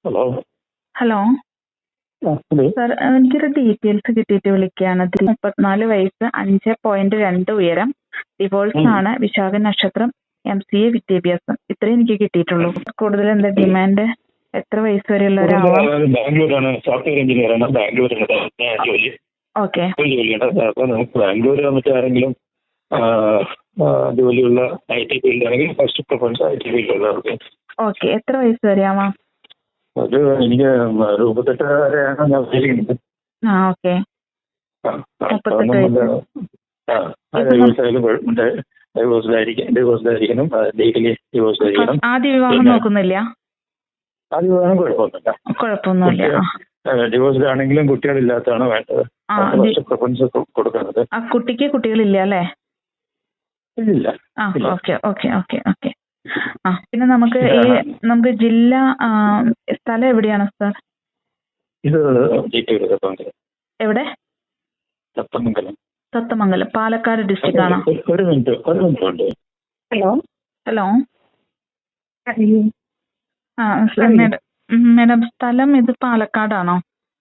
Hello. Hello hello. Sir, എനിക്കൊരു details കിട്ടിയിട്ട് വിളിക്കുകയാണ്. 34 വയസ്സ്, 5.2 ഉയരം, ഡിവോഴ്സ് ആണ്, വിശാഖ നക്ഷത്രം, MCA വിദ്യാഭ്യാസം. ഇത്രയും എനിക്ക് കിട്ടിയിട്ടുള്ളൂ. കൂടുതൽ എന്താ ഡിമാൻഡ്? എത്ര വയസ്സ് വരെയുള്ള ഒരാളാണ്? ബാംഗ്ലൂരാണ്, സോഫ്റ്റ്വെയർ എഞ്ചിനീയർ ആണ്. ബാംഗ്ലൂരിലാണ് ജോലി. ഓക്കെ. ജോലിയുണ്ട്. അപ്പൊ നമുക്ക് ബാംഗ്ലൂർ മറ്റാരെങ്കിലും ജോലിയുള്ള IT ഫീൽഡ് ആണെങ്കിൽ ഫസ്റ്റ് പ്രിഫറൻസ് IT ഫീൽഡുള്ളവർക്ക്. ഓക്കെ. എത്ര വയസ്സ് വരെ ആവാം? അത് എനിക്ക് 38 വരെയാണ് ഞാൻ ഉദ്ദേശിക്കുന്നത്. ഓക്കെ. 38 ഡിവോഴ്സ്ഡ് ആയിരിക്കണം, ലീഗലി ഡിവോഴ്സ്ഡ് ആയിരിക്കണം. ആദ്യ വിവാഹം നോക്കുന്നില്ല? ആദ്യ വിവാഹം കുഴപ്പമൊന്നുമില്ല. ഡിവോഴ്സ്ഡ് ആണെങ്കിലും കുട്ടികളില്ലാത്തതാണ് വേണ്ടത്. ഫസ്റ്റ് പ്രിഫറൻസ് കൊടുക്കുന്നത്. കുട്ടിക്ക് കുട്ടികളില്ല അല്ലേ? ഇല്ല. Okay okay okay okay. പിന്നെ നമുക്ക് ജില്ല, സ്ഥലം എവിടെയാണ് സാർ? ഇത് എവിടെ? തത്തമംഗലം, പാലക്കാട് ഡിസ്ട്രിക്റ്റ് ആണോ? ഒരു മിനിറ്റ് ഉണ്ട്. ഹലോ. മേഡം, സ്ഥലം ഇത് പാലക്കാടാണോ?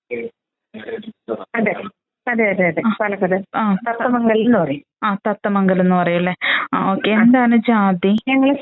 അതെ, പാലക്കാട് തത്തമംഗലം എന്ന് പറയും. തത്തമംഗലം എന്ന് പറയല്ലേ. ഓക്കെ. എന്താണ് ജാതി? ഞങ്ങള്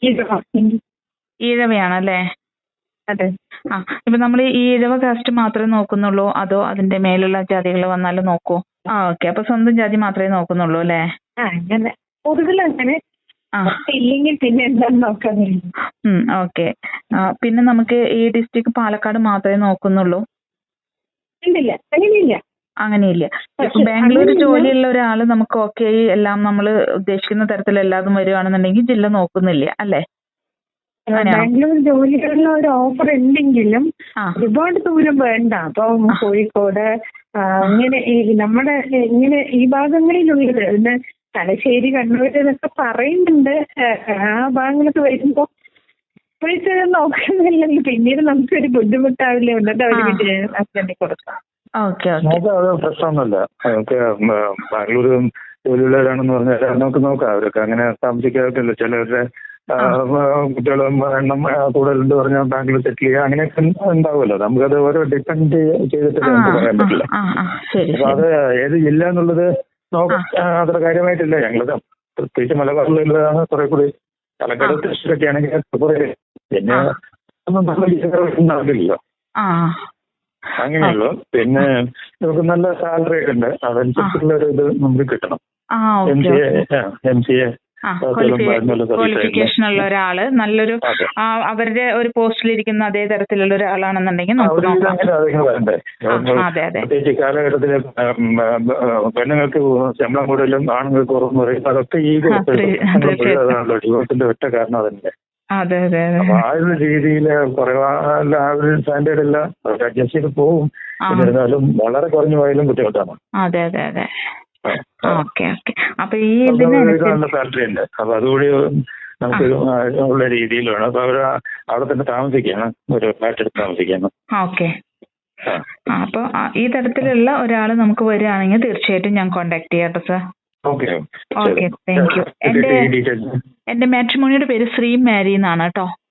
ഈഴവയാണല്ലേ? അതെ. ഇപ്പൊ നമ്മൾ ഈ ഈഴവ കാസ്റ്റ് മാത്രമേ നോക്കുന്നുള്ളൂ, അതോ അതിന്റെ മേലുള്ള ജാതികൾ വന്നാലും നോക്കൂ? ഓക്കെ. അപ്പൊ സ്വന്തം ജാതി മാത്രമേ നോക്കുന്നുള്ളൂ അല്ലേ? അങ്ങനെ പൊതുവിൽ അങ്ങനെ ഇല്ലെങ്കിൽ പിന്നെ എന്താന്ന് നോക്കാൻ. ഓക്കെ. പിന്നെ നമുക്ക് ഈ ഡിസ്ട്രിക്ട് പാലക്കാട് മാത്രമേ നോക്കുന്നുള്ളൂ? ഇല്ല, അങ്ങനെയില്ല. അങ്ങനെയില്ല. ഇപ്പൊ ബാംഗ്ലൂർ ജോലിയുള്ള ഒരാള് നമുക്ക് ഓക്കെ, എല്ലാം നമ്മൾ ഉദ്ദേശിക്കുന്ന തരത്തിൽ എല്ലാതും വരുവാണെന്നുണ്ടെങ്കിൽ ജില്ല നോക്കുന്നില്ല അല്ലേ? ബാംഗ്ലൂർ ജോലിയുള്ള ഒരു ഓഫർ ഉണ്ടെങ്കിലും ഒരുപാട് ദൂരം വേണ്ട. അപ്പൊ കോഴിക്കോട് അങ്ങനെ നമ്മുടെ ഇങ്ങനെ ഈ ഭാഗങ്ങളിലുള്ളത്, പിന്നെ തലശ്ശേരി, കണ്ണൂർ എന്നൊക്കെ പറയുന്നുണ്ട്. ആ ഭാഗങ്ങളൊക്കെ വരുമ്പോ ഇപ്പോഴത്തെ നോക്കുന്നില്ലെങ്കിൽ പിന്നീട് നമുക്കൊരു ബുദ്ധിമുട്ടാവില്ലേ എന്നിട്ട് അവർക്ക് ഹസ്ബൻഡിൽ കൊടുക്കാം. പ്രശ്നമൊന്നുമില്ല. നമുക്ക് ബാംഗ്ലൂർ ജോലിയുള്ളവരാണെന്ന് പറഞ്ഞാൽ നമുക്ക് നോക്കാം. അവരൊക്കെ അങ്ങനെ താമസിക്കാറില്ല. ചിലവരുടെ കുട്ടികളും എണ്ണം കൂടുതലുണ്ട് പറഞ്ഞാൽ ബാംഗ്ലൂർ സെറ്റിൽ ചെയ്യുക, അങ്ങനെയൊക്കെ ഉണ്ടാവുമല്ലോ. നമുക്കത് ഓരോ ഡിപ്പെൻഡ് ചെയ്തിട്ട് പറയാൻ പറ്റില്ല. അപ്പൊ അത് ഏത് ജില്ല എന്നുള്ളത് അത്ര കാര്യമായിട്ടില്ല. ഞങ്ങളത് പ്രത്യേകിച്ച് മലബാറിലുള്ളതാണ് കുറെ കൂടി. പാലക്കാട് തൃശ്ശൂരൊക്കെ ആണെങ്കിൽ കുറെ പിന്നെ ഒന്നും നടക്കില്ലല്ലോ. അങ്ങനെയുള്ളൂ. പിന്നെ നമുക്ക് നല്ല സാലറി ഒക്കെ ഉണ്ട്. അതനുസരിച്ചുള്ള ഒരു ഇത് നമുക്ക് കിട്ടണം. MCA ക്വാളിഫിക്കേഷൻ ഉള്ള ഒരാള്, നല്ലൊരു അവരുടെ ഒരു പോസ്റ്റിലിരിക്കുന്ന അതേ തരത്തിലുള്ള ഒരാളാണെന്നുണ്ടെങ്കിൽ നമുക്ക് നോക്കാം. പ്രത്യേകിച്ച് കാലഘട്ടത്തില് പെണ്ണുങ്ങൾക്ക് ശമ്പളം കൂടുതലും ആണുങ്ങൾക്ക് കുറവെന്ന് പറയും. അതൊക്കെ ഈ അതാണല്ലോ ഡിവോഴ്സിന്റെ ഒറ്റ കാരണം അതന്നെ. അപ്പൊ ആ ഒരു രീതിയില് കുറവാല്ല, ആ ഒരു സ്റ്റാൻഡേർഡ് അല്ല, അതൊക്കെ അഡ്ജസ്റ്റ് ചെയ്ത് പോവും. എന്നിരുന്നാലും വളരെ കുറഞ്ഞു പോയാലും ബുദ്ധിമുട്ടാണ്. അപ്പൊ ഈ നല്ല സാലറി ഉണ്ട്. അപ്പൊ അതുകൂടി നമുക്ക് ഉള്ള രീതിയിൽ വേണം. അപ്പൊ അവര് അവിടെ തന്നെ താമസിക്കാണ്, ഒരു ഫ്ലാറ്റ് എടുത്ത് താമസിക്കാണ്. അപ്പൊ ഈ തരത്തിലുള്ള ഒരാള് നമുക്ക് വരികയാണെങ്കിൽ തീർച്ചയായിട്ടും ഞാൻ കോണ്ടാക്ട് ചെയ്യാട്ടോ സാർ. Okay, thank you. എന്റെ മാട്രിമോണിയുടെ പേര് ശ്രീ മാരി എന്നാണ് കേട്ടോ.